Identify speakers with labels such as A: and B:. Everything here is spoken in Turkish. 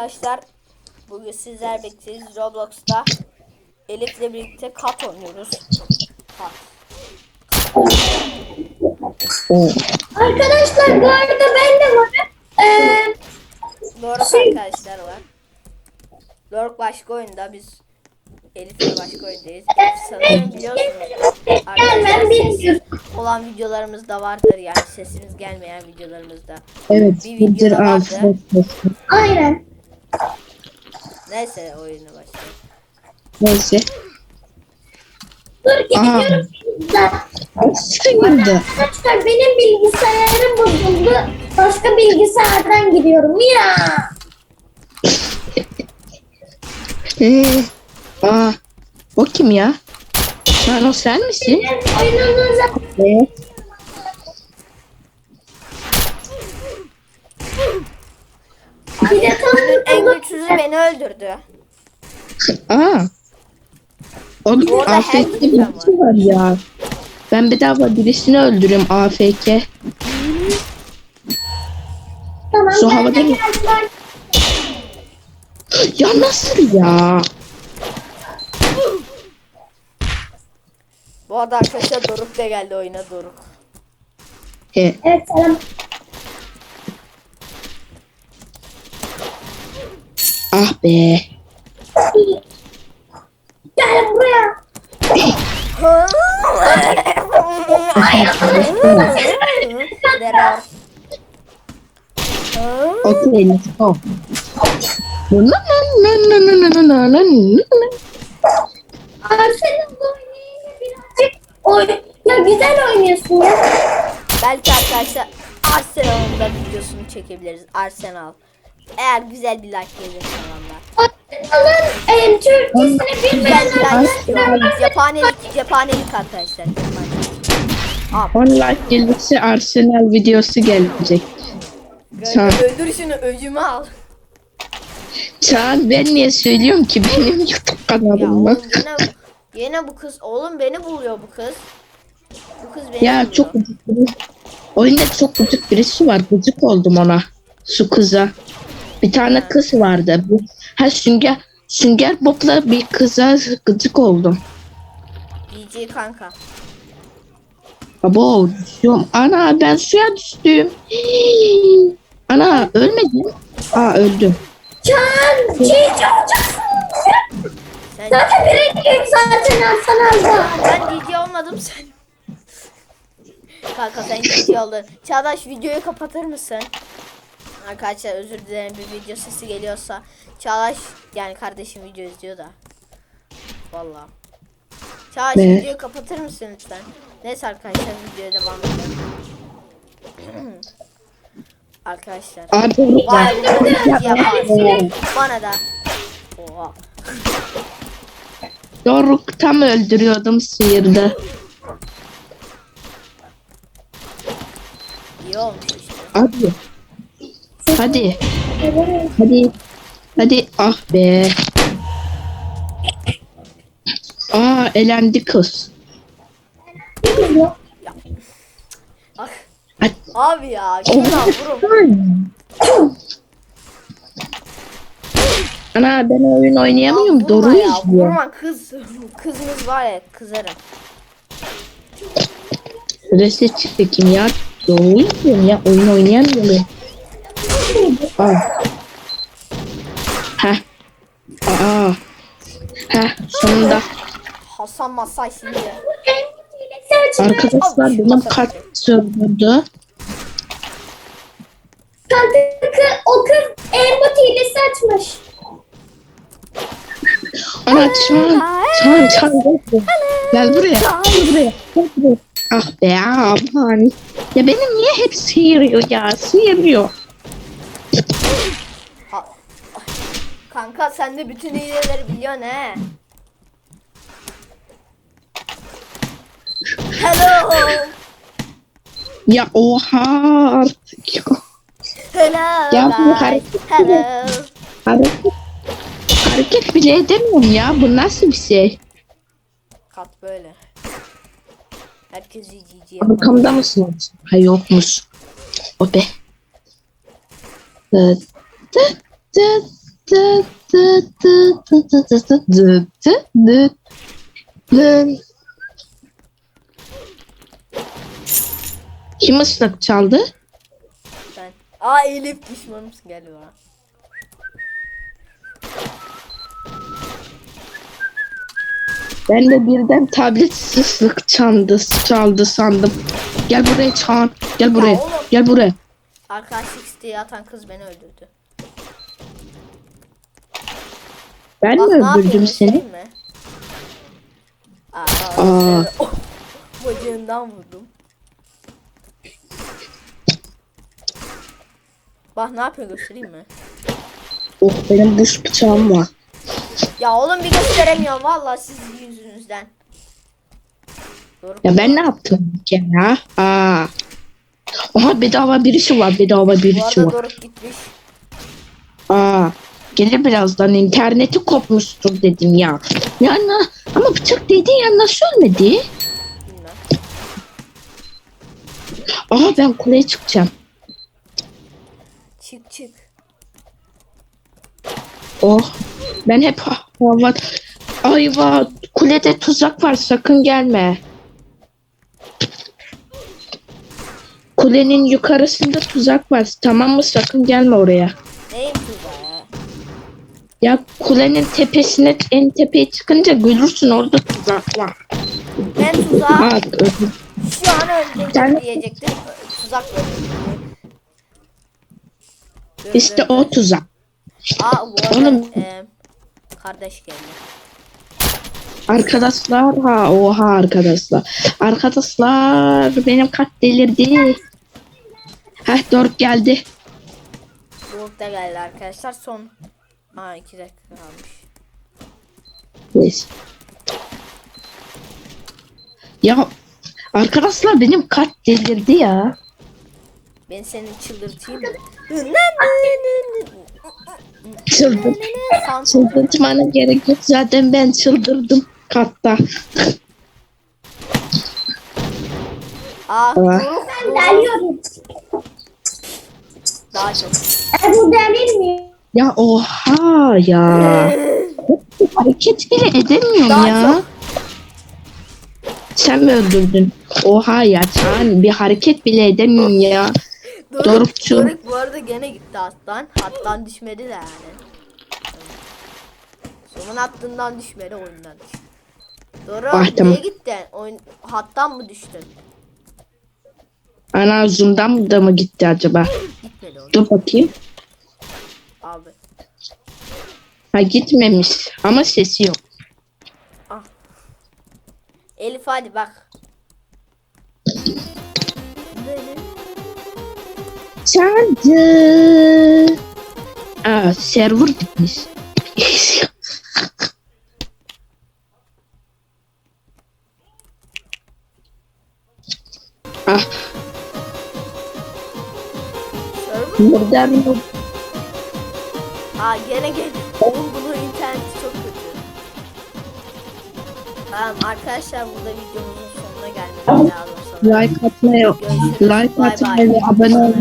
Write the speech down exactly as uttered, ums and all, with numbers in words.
A: arkadaşlar. Bugün sizler bekliyoruz Roblox'ta. Elif'le birlikte kat oynuyoruz. Kat.
B: Arkadaşlar bu arada ben de varım. Ee,
A: Doğru
B: şey,
A: arkadaşlar var. Lork başka oyunda, biz Elif'le başka oyundayız. Elif sanırım biliyorsunuz. Arkadaşlar
B: gelmem
A: sessiz
B: bilmiyorum.
A: olan videolarımız da vardır, yani sesimiz gelmeyen videolarımızda.
C: Evet,
A: Bir
C: Hıdır
A: videoda vardı.
C: Afiyet olsun.
B: Aynen.
A: Neyse oyuna başlayalım.
C: Neyse.
B: Dur
C: Aa.
B: geliyorum.
C: Sıkıldı.
B: Arkadaşlar benim bilgisayarım bozuldu. Başka bilgisayardan giriyorum ya.
C: Ee, aa, o kim ya? Sen o sen misin?
B: Benim oyununuza
C: Evet.
B: bir de
A: Oyunun en
B: tanıdım.
A: güçsüzü beni öldürdü.
C: Aa. Onun
A: Bu arada
C: A F K
A: her
C: birisi var ya. Ben bedava birisini öldürüyorum A F K.
B: Tamam
C: Şu
B: ben
C: havada
B: de
C: mı?
B: geldim.
C: Ya nasıl ya?
A: Bu arada arkadaşlar Doruk da geldi oyuna, Doruk.
C: He.
B: Evet selam.
C: Ah be.
B: Gel buraya.
A: Derar.
C: Okay, let's go. Na na na na na na na na na na.
B: Arsenal oynayınca birazcık oy ya güzel oynuyorsun ya.
A: Belki arkadaşlar Arsenal'ın da videosunu çekebiliriz. Arsenal. Eğer güzel bir like gelirse valla.
B: Arsenal'ın e, Türkçesini
A: Güzel
B: bilmeyen
A: bir like
B: arkadaşlar
A: istiyorum.
B: varsa
A: Cephanelik, cephanelik arkadaşlar. Cephanelik. Abi.
C: on like gelirse Arsenal videosu gelecek. Çağan.
A: Öldür şunu, öcümü al.
C: Çağan ben niye söylüyorum ki benim YouTube
A: Ya
C: kanalım
A: oğlum
C: bak.
A: yine, yine bu kız. Oğlum beni buluyor bu kız. Bu kız beni
C: Ya
A: buluyor.
C: çok gıcık biri. Oyunda çok gıcık birisi var. Gıcık oldum ona. Şu kıza. Bir tane
A: Ha.
C: kız vardı. Bu, ha Sünger, Sünger Bob'la bir kıza gıcık oldum.
A: D J kanka.
C: Abo düşüyorum. Ana ben suya düştüm. Ana ölmedim. Aa öldüm.
B: Can çiğci olacaksın.
A: Sen
B: Zaten birinciyim zaten Arsenal'da.
A: Ben D J olmadım sen. Kanka sen D J oldun. Çağdaş videoyu kapatır mısın? Arkadaşlar özür dilerim, bir video sesi geliyorsa. Çağdaş yani kardeşim video izliyor da. Vallahi. Çağdaş
C: Ne?
A: videoyu kapatır mısın lütfen? Neyse arkadaşlar videoya devam edelim. Arkadaşlar.
C: Aa doğru.
A: Vay bu da yaparsın. Bana da. Oha.
C: Doğru tam öldürüyordum sıyırdı.
A: İyi olmuş işte.
C: Hadi. Hadi. Hadi. Hadi. Ah be. Aa elendi kız.
A: Ah.
C: Hadi.
A: Abi ya şuradan vurun.
C: Ana ben oyun oynayamıyorum.
A: Ya
C: Doğru
A: vurma ya,
C: izliyor.
A: vurma kız. Kızınız var ya, kızarım.
C: Reset çekeyim ya. Doğru izliyorum ya. Oyun oynayamıyorum. Aa. Heh. Aa. Heh sonunda.
A: Hasan Masay şimdi.
C: Arkadaşlar benim kart söylüyordu.
B: Kanka o kız emot hilesi açmış.
C: Ana çan. Çan çan. Gel buraya. Gel buraya. Gel buraya. Ah be aman. Ya benim niye hep sıyırıyor ya? Sıyırıyor.
A: Ha. Kanka sen de bütün hileleri biliyorsun he. Hello.
C: Ya oha artık ya.
A: Hello.
C: Ya bu
A: guys.
C: hareket
A: Hello.
C: Hareket, hareket bile edemiyorum ya. Bu nasıl bir şey?
A: Kat böyle. Herkes G G yapar.
C: Arkamda mısınız? Ha yokmuş. O be. Dı, dı, dı, dı dı dı dı dı dı dı dı dı dı dı. Kim ıslık çaldı?
A: Ben. Aa Elif düşmanımsın gel bana.
C: Ben de birden tablet ıslık çaldı, çaldı sandım. Gel buraya Çağan. Gel buraya.
A: oğlum.
C: Gel buraya.
A: Arkadaşlık isteği atan kız beni öldürdü.
C: Ben
A: Bak
C: mi
A: ne yapayım
C: öldürdüm seni?
A: göstereyim mi? Aa,
C: Aa.
A: oh, bacağından vurdum. Bak ne yapıyor göstereyim mi?
C: Oh benim buz bıçağım var.
A: Ya oğlum bir gösteremiyorum vallahi sizin yüzünüzden. Doğru.
C: Ya ben ne yaptım ki ya? Aa. Aha bedava birisi var. Bedava
A: Bu
C: birisi
A: arada
C: var.
A: Doruk gitmiş.
C: Aa. Gelir birazdan interneti kopmuştur dedim ya. Ya na- ama bıçak değdi ya nasıl ölmedi?
A: Bilmem.
C: Aha ben kuleye çıkacağım.
A: Çık çık.
C: Oh. Ben hep ha- hava... Ayva kulede tuzak var sakın gelme. Kulenin yukarısında tuzak var tamam mı sakın gelme oraya.
A: Neyim tuzağı?
C: Ya kulenin tepesine en tepeye çıkınca görürsün orada tuzak var.
A: Ben tuzağı
C: Aa, öldüm.
A: şu an öldürdüm
C: Sen-
A: diyecektim. Tuzak öldürdüm. Dur,
C: İşte
A: dur,
C: o
A: dur.
C: tuzak.
A: Aa bu arada
C: Oğlum.
A: e, kardeş geldi.
C: Arkadaşlar ha oha arkadaşlar. Arkadaşlar benim kat delirdi. Heh Doruk geldi.
A: Doruk da geldi arkadaşlar. Son Aa iki dakika kalmış.
C: Neyse. Ya arkadaşlar benim kat delirdi ya.
A: Ben seni çıldırtayım mı?
C: Çıldır.
A: San-
C: Çıldırtmana gerek yok zaten ben çıldırdım katta.
A: Aa
C: Aa.
A: Doruk
B: Ben geliyorum.
A: daha çok.
B: E bu delil mi?
C: Ya oha ya. Hareket bile edemiyorum
A: Daha
C: ya.
A: çok.
C: Sen mi öldürdün? Oha ya sen bir hareket bile edemiyorum ya.
A: Doruk,
C: Dorukçu.
A: Doruk bu arada gene gitti hattan. Hattan düşmedi de yani. Sonun hattından düşmedi oyundan düştü. Doruk
C: Ah, tamam.
A: nereye gittin? Oyun, hattan mı düştün?
C: Ana zoom'dan da mı gitti acaba?
A: Gitmedi oğlum.
C: Dur bakayım.
A: Abi.
C: Ha gitmemiş ama sesi yok.
A: Ah. Elif hadi bak.
C: Çaldı. Aa server gitmiş. ah
A: Server.
C: buradan
A: Aa gene gel. Oğlum bunun interneti çok kötü. Tamam arkadaşlar burada videomuzun sonuna gelmemiz lazım sanırım.
C: like atmayı,
A: Görüşürüz.
C: like
A: Bay bay.
C: atmayı ve abone olmayı